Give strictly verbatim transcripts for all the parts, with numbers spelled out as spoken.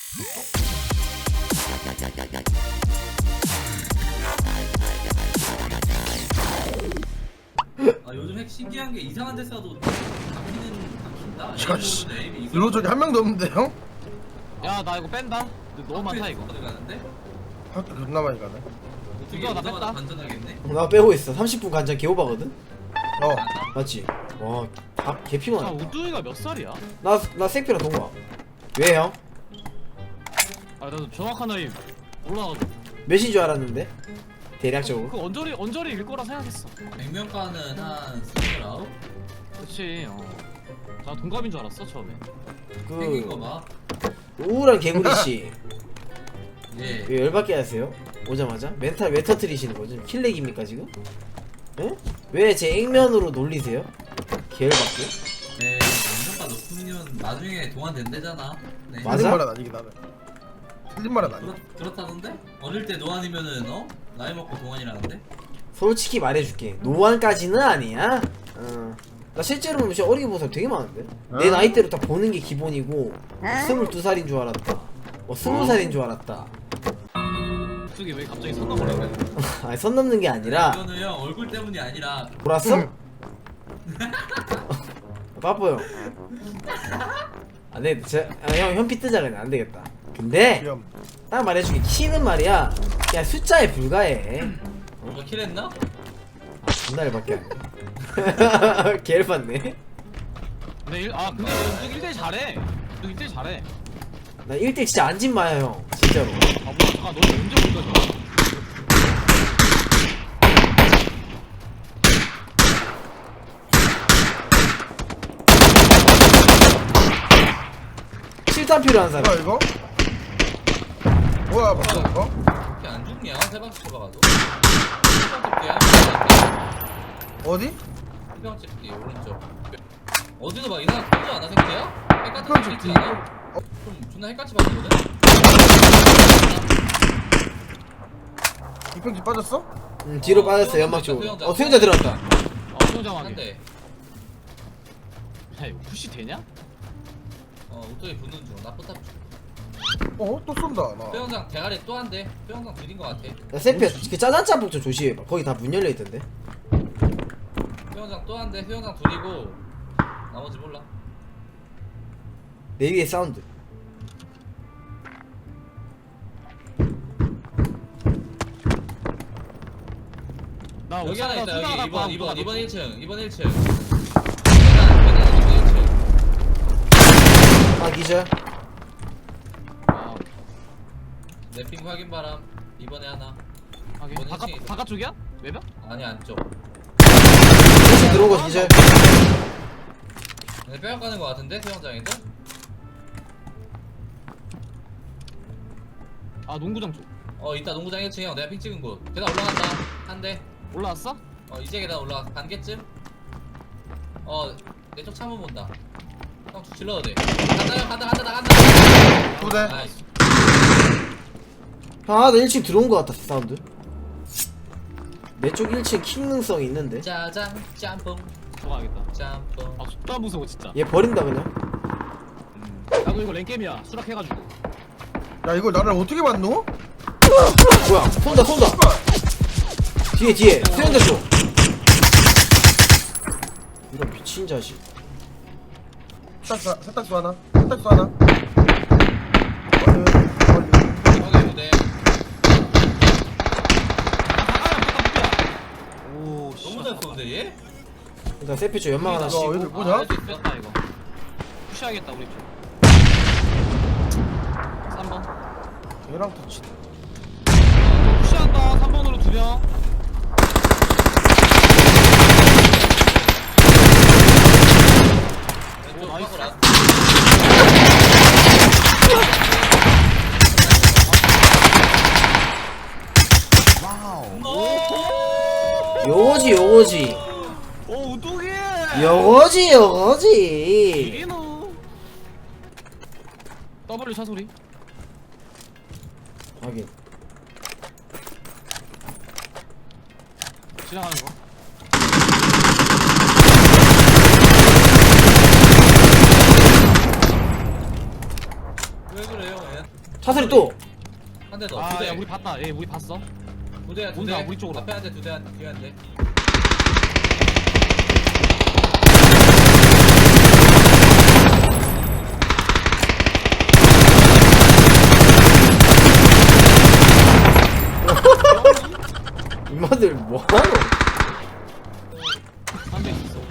아 요즘 핵 신기한 게 이상한 데 쏴도 잡히는 잡힌다. 야씨 에임이 일로 저기 한 명도 없는데요? 야 나 이거 뺀다. 근데 너무 많다 이거. 어디 가는데? 학교 존나 많이 가네. 어떻게 이거 나 오자마자 뺐다. 반전하겠네? 나 빼고 있어. 삼십 분 간장 개오바거든? 어 맞지? 와, 다 아 개피만. 우두이가 몇 살이야? 나, 나 생피랑 동거야. 왜 형? 아 나도 정확한 나이 몰라가지고. 몇인 줄 알았는데? 대략적으로. 그 언저리 언저리일 거라 생각했어. 백명가는 한 스물아홉? 그렇지. 어. 나 동갑인 줄 알았어 처음에. 생긴 거 그, 봐. 우울한 개구리씨. 예. 왜 열받게 하세요? 오자마자? 멘탈 왜 터트리시는 거죠? 킬렉입니까 지금? 에? 왜 제 액면으로 놀리세요? 개열받게? 네. 백명가 높으면 나중에 동안 된대잖아. 네. 맞아? 틀린 말은 아니긴 하네. 틀린 말은 아니야. 그렇, 그렇다던데? 어릴 때 노안이면은 어? 나이 먹고 동안이라는데? 솔직히 말해줄게. 노안까지는 아니야. 어. 나 실제로 보면 진짜 어리게 보는 사람 되게 많은데? 내 어? 나이대로 다 보는 게 기본이고 스물두 살인 줄 알았다. 뭐 스무 살인 줄 알았다. 그게 왜 갑자기 선 넘어래? 아니 선 넘는 게 아니라 이거는 형 얼굴 때문이 아니라 돌았어? 응. 빠뽀 형. 안돼, 아, 형 현피 뜨자 그냥 안 되겠다. 근데 귀염. 딱 말해줄게. 키는 말이야 그냥 숫자에 불과해. 이거 킬했나? 아, 존나 열받게 하네. 개를 받네. 근데 일, 아 근데 너 일 대 잘해. 너 일 대 잘해. 나 일 대 진짜 안 진마야 형. 진짜로. 아 뭐야 잠깐 너 언제 볼 거야? 실탄 필요한 뭐야 사람. 이거? 뭐야 맞죠 이거? 이렇게 안 죽냐? 세 방씩 쳐봐가지고 세 어디? 방씩 뒤 오른쪽 어디서 막 이상한 소리 안 하는 새끼야? 핵 같은 그럼 거 좀 있지 뒤. 않아? 좀 존나 핵같이 바뀌거든? 이평지 빠졌어? 응, 뒤로 어, 빠졌어 수영장 연막 있다, 쪽으로. 수영장. 어 수영자 들어왔다. 어 수영장하게. 한대 야 이거 푸시 되냐? 어 우뚝에 붙는 중 나포탑 중 어? 또 쏜다 나. 수영장 대가리 또 한대 수영장 들인 거 같아 야 세피야 그 짜잔 짬뽕 좀 조심해봐. 거기 다 문 열려있던데. 수영장 또 한대 수영장 둘이고 나머지 몰라 내 위에 사운드. 나 여기 하나 있다 여기 이 번 이 번 이 번 일 층 이 번 일 층 계단 계단 이 번 일 층 아 기절. 아 랩핑 확인 바람 이번에 하나 하긴 이번 바깥 일 층에 바깥 쪽이야? 외벽? 아니 안쪽 다시 들어온 거 기절. 근데 빼앗 가는 거 같은데 수영장에도? 아 농구장 쪽. 어 이따 농구장 일 층에 형 내가 핑 찍은 곳 계단 올라간다 한대 올라왔어? 어 이제 계단 올라가 반개쯤 어 내 쪽 창문 본다 형 질러도 돼 간다 형 간다 간다 나간다 두 대. 나이스 형 하나 일 층 들어온 거 같다 사운드. 내 쪽 일 층 킥 능성이 있는데. 짜장 짬뽕 들어가야겠다. 짬뽕 아 진짜 무서워 진짜. 얘 버린다 그냥. 나도 이거 랭게임이야. 수락해가지고. 야 이걸 나를 어떻게 맞노? 뭐야 쏜다 쏜다. 뒤에 뒤에 수영자 쪽. 이런 미친 자식. 세탁소 세탁소 하나. 세탁소 하나. 멀리 멀리. 형의 무대 오 너무 잘 쏘는데 얘? 일단 세피 쪽 연막 하나 야, 씌고. 얘들 뭐냐? 할 수 있어? 됐다 이거. 푸시하겠다 우리 쪽. 삼 번. 얘랑 터치. 푸시한다. 삼 번으로 두 명. 왼쪽 오, 나이스. 하고 라 요거지 요거지. 오 우뚝이. 요거지 요거지. 이리노. W 차 소리. 하긴. 지나가는 거. 왜 그래요 얘? 차소리 또. 한 대 더. 두 아, 대. 야, 우리 봤다. 얘 우리 봤어. 두 대야 두 온다, 대. 우리 쪽으로. 앞에 한 대, 두 대, 한 대, 뒤에 한 대. 이마들 뭐하노? 한 대 있어.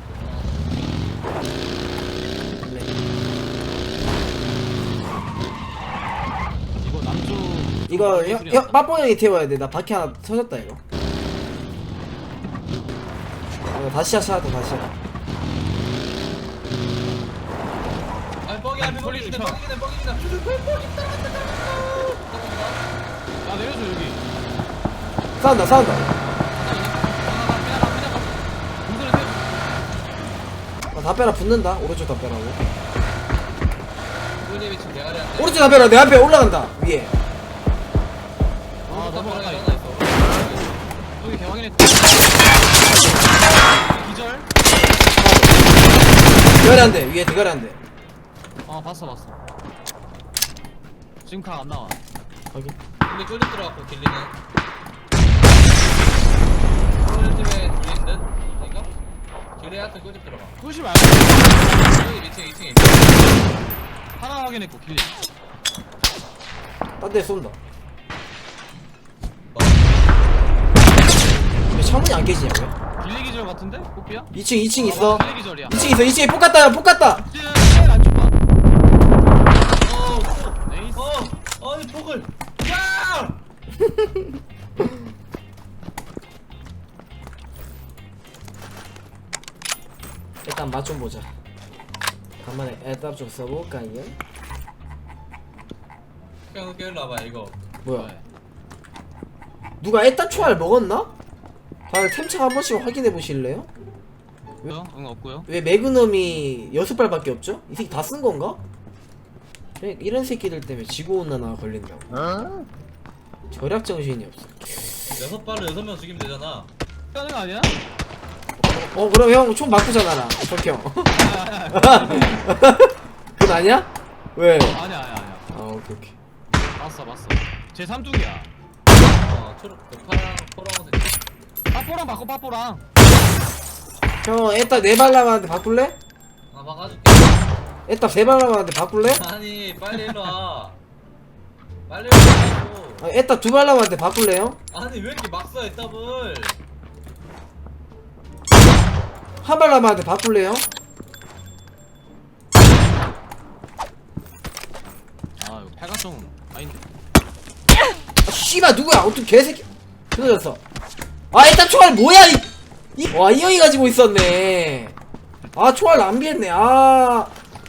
이거 남쪽. 이거 형, 형 빠뽀 형이 태워야 돼. 나 바퀴 하나 터졌다 이거. 이거 다시 하자 다시 하자. 아니 뻑이 앞에 소리 뻑이네, 좀 쳐. 뻑이네, 뻑이네. 나 내려줘 여기. 싸운다 싸운다. 공들을 세. 아, 다 빼라 붙는다. 오른쪽 다 빼라고. 우리 위치 대가리 한 대. 오른쪽 다 빼라. 내 앞에 올라간다 위에. 아 넘어가다. 하나 있어. 여기 개확인했. 기절. 대가리 한 대. 위에 대가리 한 대. 어 봤어 봤어. 지금 각 안 나와. 확인. 길리 쫄집 들어갔고 길리는. 쫄집에 둘인 듯? 아닌가? 길리 하트 쫄집 들어가. 끄시 말고. 여기 이 층, 이 층에. 하나 확인했고 길리. 딴 데 쏜다. 왜 창문이 안 깨지냐고요? 길리 기절 같은데? 꽃피야? 이 층 이 층 있어. 길리 기절이야. 이 층 있어. 이 층에 폭 갔다. 폭 갔다. 제일 안쪽 봐. 어, 네이스. 어, 아니 폭을. 야! 일단 맛 좀 보자. 간만에 애답 좀 써볼까요? 그냥 깨일로 와봐 이거. 뭐야? 누가 애답 초알 먹었나? 아, 템창 한 번씩 확인해 보실래요? 응, 응 없고요. 왜 매그넘이 여섯 발밖에 없죠? 이 새끼 다 쓴 건가? 그래, 이런 새끼들 때문에 지구온난화가 걸린다고. 어? 절약 정신이 없어. 여섯 발로 여섯 명 죽이면 되잖아. 하는 거 아니야? 어 그럼 형 총 바꾸잖아 석형. 그건 아니야? 왜? 아니야 아니야 아니야. 아 오케이 오케이. 봤어 봤어. 제 삼뚝이야. 어, 초록, 그 파랑, 포랑색. 빠뽀랑 바꿔 빠뽀랑. 형 애답 네 발람한테 바꿀래? 아, 막아줄게. 애답 세 발람한테 바꿀래? 아니, 빨리 일로 와. 빨리 일로 와고. 아, 애답 두 발람한테 바꿀래요? 아니, 왜 이렇게 막 써, 애답을. 한 발람한테 바꿀래요? 아 이거 팔각정 아닌데. 아, 씨발 누구야? 어떤 개새끼 끊어졌어. 아 애답 초알 뭐야 이, 이... 와 이 형이 가지고 있었네. 아 초알 낭비했네. 아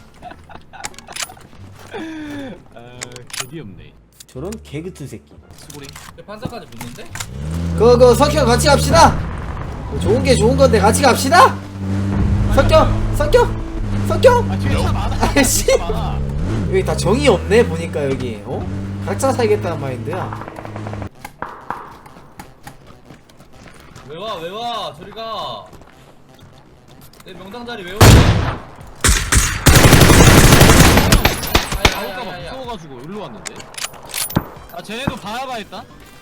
아 개기 없네. 저런 개그트 새끼. 수고리. 판사까지 붙는데? 그거 석형 같이 갑시다. 좋은 게 좋은 건데 같이 갑시다. 석형 석형 석형. 아 뒤에 차 많아. 아이씨. 차 많아. 여기 다 정이 없네 보니까 여기. 어? 각자 살겠다는 마인드야. 왜 와, 왜 와, 저리 가. 내 명당 자리 왜 오냐? 나올까봐 아야야야야. 무서워가지고 일로 왔는데. 아 쟤네도 바야바 있다.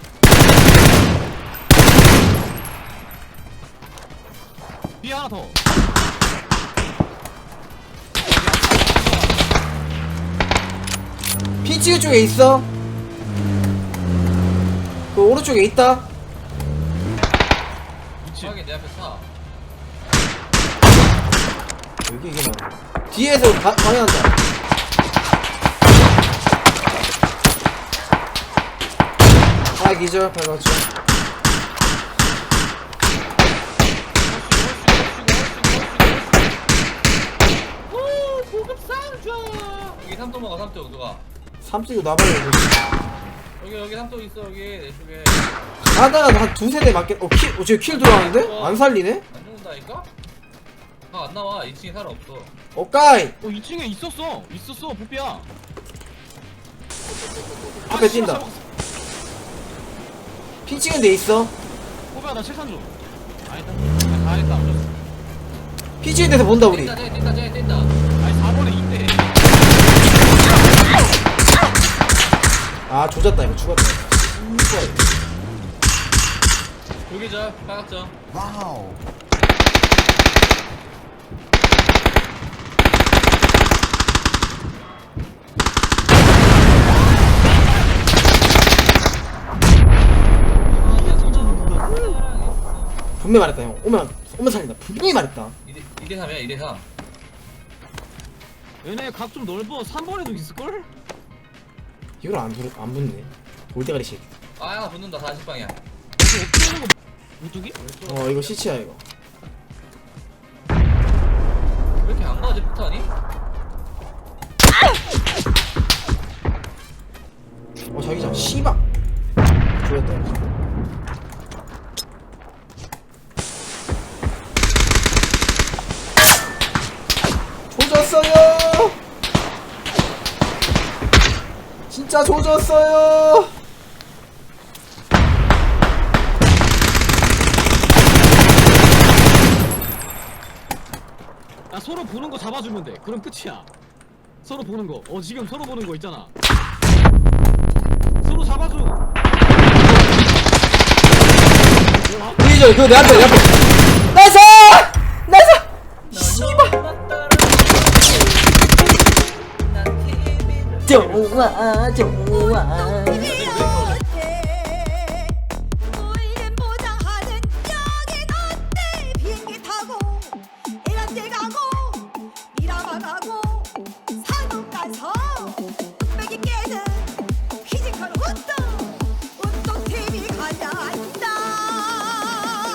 뒤에 하나 더. 피치유 쪽에 있어. 그 오른쪽에 있다. 미친. 확인, 내 앞에 차. 여기 이게 뭐야? 뒤에서 바, 방해한다. 아 기절 발맞춰. 오, 고급 상자. 여기 삼통 먹어, 삼통 누가? 삼찍고 나발려. 여기 여기 삼통 있어 여기 내 쪽에. 하다가 한 두세 대 맞겠. 어 킬, 어, 저킬 들어왔는데? 안 살리네? 안 죽는다니까? 아, 안 나와. 이 층에 사람 없어. 어 까이. 어 이 층에 있었어. 있었어 보피야. 앞에 뛴다. 핑 찍은 데 있어. 보피야 나 칠산 좀. 아니다. 아, 다 했다. 어쩔 수 없어. 핑 찍은 데서 본다 우리. 뛴다, 쟤 뛴다, 쟤 뛴다. 아니 사 번에 이때. 아 조졌다 이거 죽었다 이거. 돌기절 빨갛죠. 분명히 말했다 형 오면 오면 살린다 분명히 말했다. 이 대 삼이야 이 대 삼. 얘네 각 좀 넓어. 삼 번에도 있을걸? 이걸 안, 부르, 안 붙네 돌대가리 새끼. 아 하나 붙는다 사십 방향. 이거 어떻게 하는 거 우뚝이? 어 이거 시치야 이거. 왜 이렇게 안 가지 폭탄이? 어 자기장 씨발 죽였다 이거. 조졌어요 진짜 조졌어요. 야 서로 보는 거 잡아주면 돼. 그럼 끝이야. 서로 보는 거. 어 지금 서로 보는 거 있잖아. 서로 잡아줘. 이저 그거 내 앞에 내 앞에 나이스 나이스 씨발 좋아 좋아